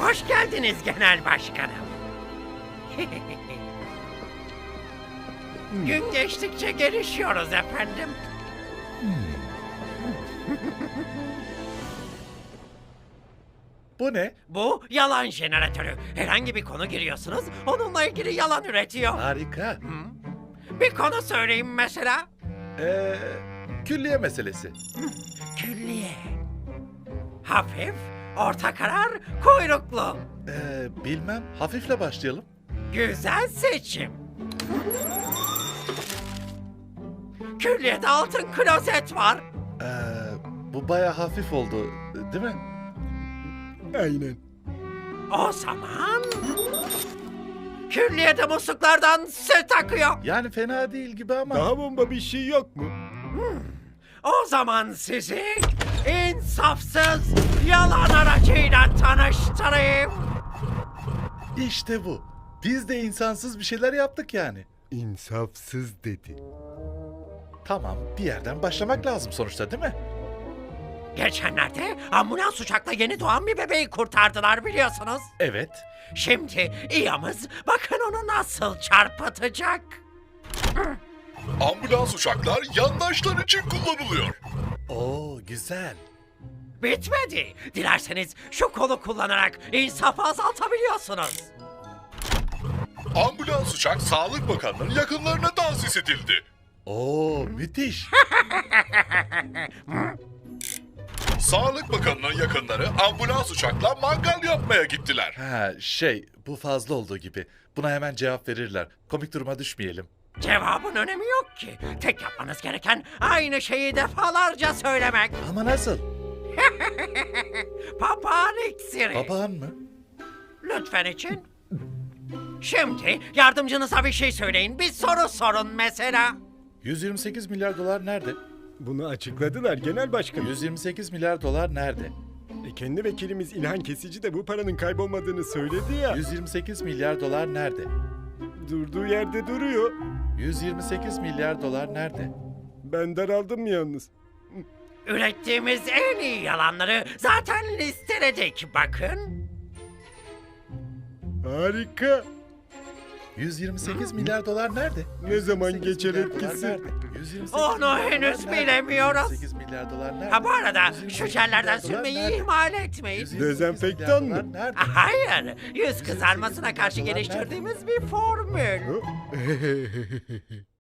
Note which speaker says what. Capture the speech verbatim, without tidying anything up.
Speaker 1: Hoş geldiniz genel başkanım. Gün geçtikçe gelişiyoruz efendim.
Speaker 2: Bu ne?
Speaker 1: Bu yalan jeneratörü. Herhangi bir konu giriyorsunuz, onunla ilgili yalan üretiyor.
Speaker 2: Harika.
Speaker 1: Bir konu söyleyeyim mesela.
Speaker 2: Ee, külliye meselesi.
Speaker 1: Külliye. Hafif, orta karar, kuyruklu.
Speaker 2: Ee, bilmem. Hafifle başlayalım.
Speaker 1: Güzel seçim. Külliyede altın klozet var.
Speaker 2: Ee, bu baya hafif oldu, değil mi?
Speaker 3: Aynen.
Speaker 1: O zaman... Külliyede musluklardan süt akıyor.
Speaker 2: Yani fena değil gibi ama.
Speaker 3: Daha bomba bir şey yok mu?
Speaker 1: O zaman sizi insafsız yalan aracıyla tanıştırayım.
Speaker 2: İşte bu. Biz de insansız bir şeyler yaptık yani.
Speaker 3: İnsafsız dedi.
Speaker 2: Tamam, bir yerden başlamak lazım sonuçta, değil mi?
Speaker 1: Geçenlerde ambulans uçakla yeni doğan bir bebeği kurtardılar biliyorsunuz.
Speaker 2: Evet.
Speaker 1: Şimdi İyamız bakın onu nasıl çarpıtacak.
Speaker 4: Ambulans uçaklar yandaşlar için kullanılıyor.
Speaker 2: Oo, güzel.
Speaker 1: Bitmedi. Dilerseniz şu kolu kullanarak insafı azaltabiliyorsunuz.
Speaker 4: Ambulans uçak Sağlık Bakanlığı'nın yakınlarına tahsis edildi.
Speaker 2: Oo, müthiş.
Speaker 4: Sağlık Bakanlığı'nın yakınları ambulans uçakla mangal yapmaya gittiler.
Speaker 2: Ha, şey, bu fazla olduğu gibi. Buna hemen cevap verirler. Komik duruma düşmeyelim.
Speaker 1: Cevabın önemi yok ki. Tek yapmanız gereken aynı şeyi defalarca söylemek.
Speaker 2: Ama nasıl?
Speaker 1: Papağan iksiri.
Speaker 2: Papağan mı?
Speaker 1: Lütfen için. Şimdi yardımcınıza bir şey söyleyin. Bir soru sorun mesela.
Speaker 2: yüz yirmi sekiz milyar dolar nerede?
Speaker 3: Bunu açıkladılar genel başkanım.
Speaker 2: yüz yirmi sekiz milyar dolar nerede?
Speaker 3: E, kendi vekilimiz İlhan Kesici de bu paranın kaybolmadığını söyledi ya.
Speaker 2: yüz yirmi sekiz milyar dolar nerede?
Speaker 3: Durduğu yerde duruyor.
Speaker 2: yüz yirmi sekiz milyar dolar nerede?
Speaker 3: Ben daraldım yalnız.
Speaker 1: Ürettiğimiz en iyi yalanları zaten listeledik bakın.
Speaker 3: Harika.
Speaker 2: yüz yirmi sekiz milyar dolar nerede?
Speaker 3: Ne zaman
Speaker 2: yüz yirmi sekiz
Speaker 3: geçer
Speaker 2: milyar dolar
Speaker 3: etkisi?
Speaker 2: nerede? yüz yirmi sekiz
Speaker 1: Onu
Speaker 2: milyar dolar
Speaker 1: henüz
Speaker 2: nerede?
Speaker 1: bilemiyoruz.
Speaker 2: yüz yirmi sekiz milyar dolar nerede?
Speaker 1: Ha bu arada
Speaker 2: yüz yirmi
Speaker 1: şu
Speaker 2: sekiz
Speaker 1: jellerden
Speaker 2: milyar dolar
Speaker 1: sürmeyi
Speaker 2: nerede?
Speaker 1: ihmal etmeyin.
Speaker 2: yüz yirmi sekiz
Speaker 3: Dezenfektan
Speaker 2: milyar
Speaker 3: mı?
Speaker 2: dolar nerede?
Speaker 1: Hayır, yüz kızarmasına karşı geliştirdiğimiz bir formül.
Speaker 3: Hı?